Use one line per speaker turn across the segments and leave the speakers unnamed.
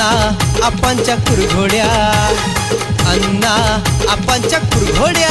अण्णा आपांच्या कुरघोड्या, अण्णा आपांच्या कुरघोड्या.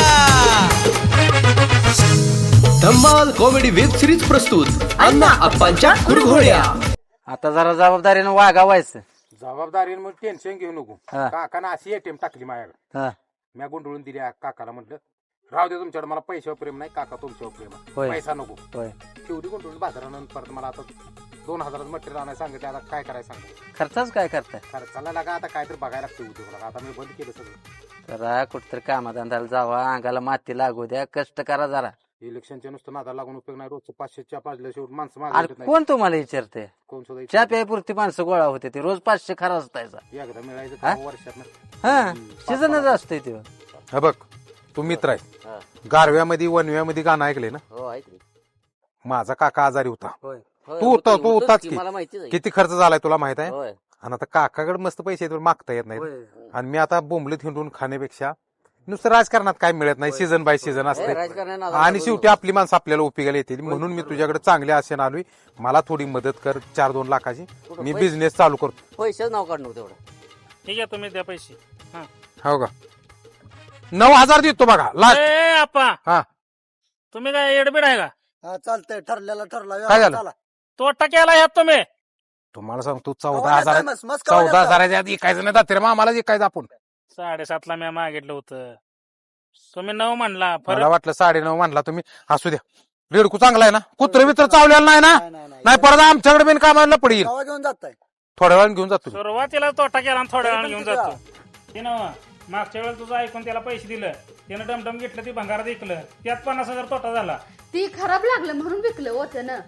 धम्माल कॉमेडी वेब सिरीज प्रस्तुत अण्णा आपांच्या कुरघोड्या.
आता जरा जबाबदारीनं वागावायचं.
जबाबदारीने मग टेन्शन घेऊ नको.
हा.
काकानं अशी एटीएम टाकली माझ्याकडे,
हा,
मी गुंडळून दिली. काकाला म्हटलं राहू दे तुमच्याकडे, मला पैशावर प्रेम नाही काका, तुमच्यावर प्रेम आहे,
होय.
पैसा नको.
होय.
शेवटी गुंडळून बाजारानंतर परत मला आता 2000 मटेरियल आणायला सांगितलं. आता काय करायचं सांगितलं,
खर्चाच काय करताय?
खर्चाला लागा आता काहीतरी बघायला लागते उद्योग लागा. आता मी बंद केलं सगळं.
जरा कुठतरी कामाधंद्याला जावा, अंगाला माती लागू द्या, कष्ट करा जरा.
इलेक्शनच्या नुसतं नादा लागून उपयोग नाही. रोजचं 500च्या पाजल्या शेवट माणसं
अरे
मागे
कोण तुम्हाला विचारते?
कोण सुद्धा
चहा प्यायपुरती माणसं गोळा होते ते रोज 500 खरा असतायचा.
एकदा मिळायचं
हा?
वर्षात.
हा, सीझनच असतंय ते.
हा बघ, तू मित्र आहे. गारव्यामध्ये वनव्यामध्ये गाणं ऐकले ना?
हो, ऐकले.
माझा काका आजारी होता.
होय.
तू होता, तू होताच की.
मला माहिती
किती खर्च झालाय तुला माहित आहे.
होय.
आणि आता काकाकडे मस्त पैसे आहेत, मागता येत नाही.
होय.
आणि मी आता बोंबलीत हिंडून खाण्यापेक्षा नुसतं राजकारणात काय मिळत नाही. सीझन बाय सीझन असते आणि शेवटी आपली माणसं आपल्याला उपयोगाला येतील. म्हणून मी तुझ्याकडे चांगल्या आशेने आलोय. मला थोडी मदत कर, 4-2 लाखाची. मी बिझनेस चालू करतो.
पैसेच नाव काढणं तेवढं.
ठीक आहे, तुम्ही द्या पैसे.
हो का? 9,000 देतो बघा लास्ट.
ए आप्पा,
हा,
तुम्ही काय एडबीड आहे का?
हा चालतंय, ठरलेला ठरला.
काय झालं?
चला.
तोटा केला ह्यात तुम्ही.
तुम्हाला सांगतो
कवा
14,000
येताय मस्त? मस्त कवा
14,000 आधी ऐकायचं नाही दाते आम्हाला ऐकायचं आपण.
7.5 मी मागितलं होतं, तुम्ही 9 म्हणला.
मला
फरक
वाटलं 9.5 म्हणला तुम्ही. असू द्या, रेडकू चांगला आहे ना? कुत्र मित्र चावलेला नाही ना?
नाही.
नाही परत आमच्याकडे बिन कामाला पडेल.
कवा घेऊन जाताय?
थोड्या वेळाने घेऊन जातो.
सुरुवातीला तोटा केला आणि थोड्या वेळाने घेऊन
किती
जातो. ते ना मागच्या वेळेस तुझं ऐकून त्याला पैसे दिलं, त्यानं डमडम घेतलं, ती भंगारात विकलं, त्यात 50,000 तोटा झाला.
ती खराब लागलं म्हणून विकलं होतं ना.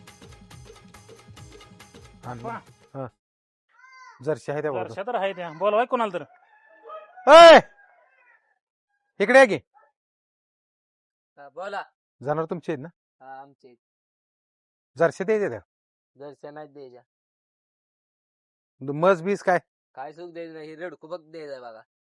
जर्शी आहे त्या बाजूला.
वर्षा तर आहे त्या, बोलवाय कोणाला तर.
ए! इकडे आहे की.
बोला.
जाणार तुमचे आहेत ना?
आमचे
जर्शी द्यायचे त्या
दर्शनात द्यायच्या.
मज बीस काय?
काय सुख द्यायचं नाही, रेडकू बघ द्यायचा बघा.